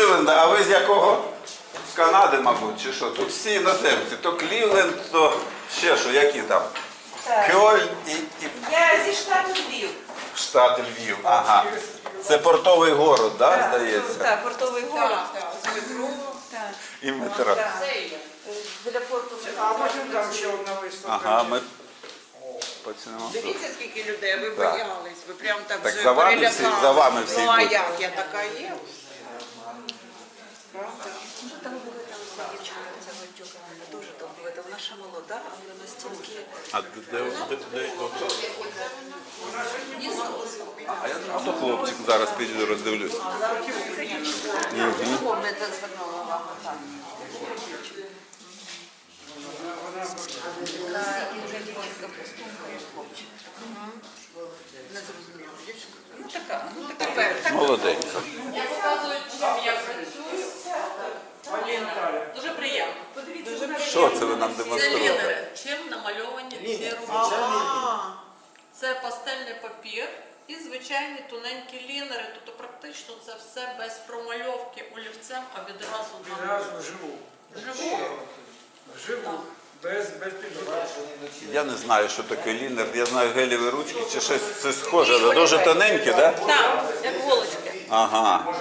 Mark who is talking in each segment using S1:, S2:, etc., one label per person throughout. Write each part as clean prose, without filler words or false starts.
S1: Кливленда, а ви з якого? З Канади, мабуть, чи що? Тут всі іноземці. То Клівленд, то ще що, які там? Кьольн і
S2: Я зі штату Львів.
S1: штат Львів. Ага. Це портовий город, да, здається?
S2: Так, портовий город.
S3: з метро.
S2: Так.
S1: І метро.
S3: Це є.
S2: Біля порту.
S4: А потім там ще одна виставка.
S1: Ага, ми почнемо.
S3: Дивіться, скільки людей, ви
S1: Так.
S3: боялись, ви прям так
S1: Так
S3: вже
S1: за вами всі-
S3: перелякались.
S1: за вами всі
S3: Ну, а
S1: йдуть.
S3: як, я така є. Правда?
S2: Дуже талановита дівчинка, ця Гончука. Дуже талановита. Вона ще молода, але настільки...
S1: А а то хлопчик зараз піду роздивлюсь.
S2: Помните, звернула увагу, так. Така інженерська постунка, як хлопчик. Незрозуміла дівчинка. Ну така,
S3: Тепер.
S1: Молоденька.
S5: Я показую, чим я працюю. Дуже приємно.
S1: Що це ви нам
S5: Це
S1: демонструєте?
S5: лінери. Чим намальовані ці роботи? Це пастельний папір і звичайні тоненькі лінери. Тобто практично це все без промальовки олівцем, а відразу на
S4: Відразу вживу.
S5: живу.
S4: Вживу. Без підготовки.
S1: Я не знаю, що таке лінер. Я знаю гелєві ручки чи щось це схоже. але дуже тоненькі, так? Да?
S5: Так, як голочки.
S1: Ага.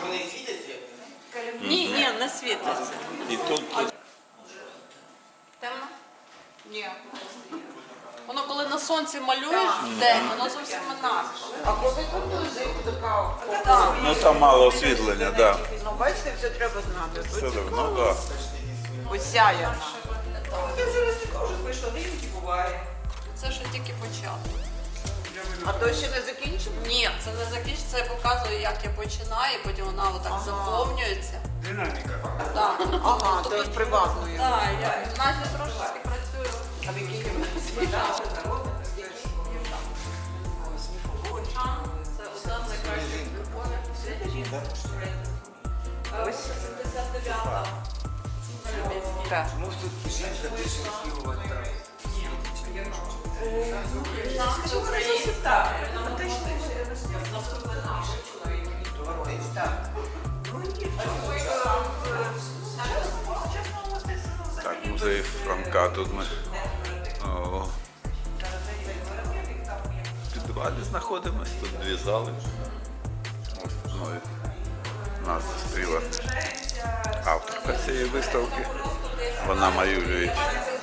S5: Ні, не світиться.
S1: І тут
S5: Темно?
S3: Ні.
S5: Воно коли на сонці малюєш в день, воно зовсім інакше.
S3: А коли тут лежить така,
S1: ну там мало освітлення, так. Да.
S3: ну бачите, все треба знати.
S1: Все давно, так.
S3: Осяяна.
S2: Я зараз також прийшла, дивіться, буває.
S5: Це ще тільки початок.
S3: А то ще не закінчимо?
S5: Ні, це не закінчиться, я показую, як я починаю, і потім вона отак заповнюється.
S4: Динаміка.
S5: Так.
S3: Ага,
S5: Тобто,
S3: то з приватною.
S5: так, я в нас трошки працюю.
S3: А в якій кімнаті?
S5: Це одна з найкращих любов'ях у світі. Ось 79-та.
S3: Так.
S5: Нам це українська.
S1: Так, музей Франка тут ми. О. В підвалі знаходимось, тут дві зали. Ось мною нас зустріла авторка цієї виставки. Вона малює.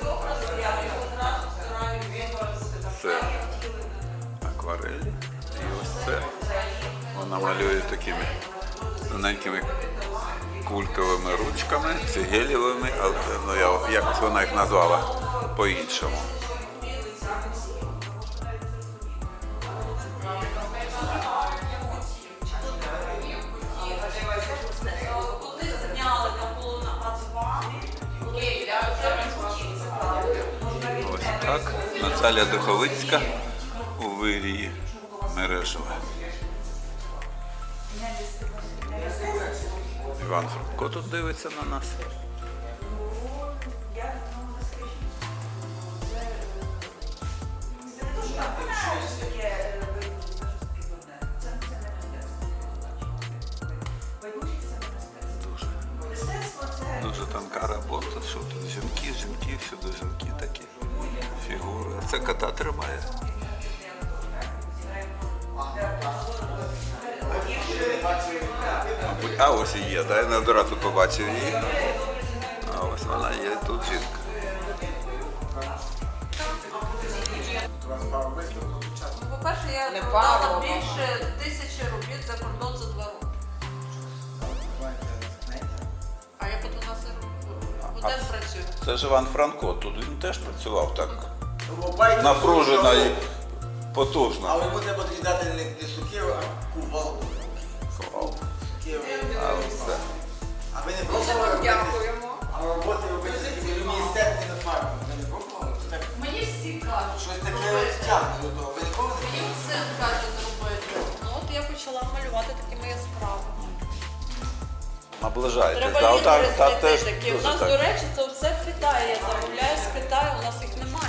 S1: Це акварелі. І ось це. Вона малює такими тоненькими кульковими ручками, це гелєвими, але ну, якось вона їх назвала по-іншому.
S5: Туди зняли на було на А2.
S1: Ось так. Наталя Духовицька у вирії Мережева. Іван Франко тут дивиться на нас. Дуже тонка робота. Що тут? Жінки, всюди жінки такі. Фігури. Це кота тримає. Мабуть, а ось і є, да? Я не одразу побачив її. А ось вона є, тут жінка.
S5: Ну, по-перше, я
S3: Не
S5: продала
S3: пару,
S5: більше 1000 робіт за кордон за 2 роки. А я по 12 годин працюю.
S1: Це ж Іван Франко, тут він теж працював так напружено і потужно.
S6: Але йому треба тоді дати не сукеру, а кувалку. Сукеру.
S1: А ось це.
S6: А ви не
S3: Дуже
S6: пробували
S3: вам
S6: робити?
S3: дякуємо.
S6: А роботи робити такі в міністерстві на фармі. Ви не пробували? Це так,
S5: Мені всі кажуть,
S6: щось таке тягне до того. Ви ніколи не
S5: мені син каже зробити. Ну от я почала малювати такими яскравими.
S1: Наближаєтесь.
S5: Треба
S1: Да,
S5: лінери
S1: та
S5: знайти
S1: теж
S5: такі. У
S1: дуже
S5: нас,
S1: так.
S5: до речі, це все в Китаї. Я замовляю з Китаю, у нас їх немає.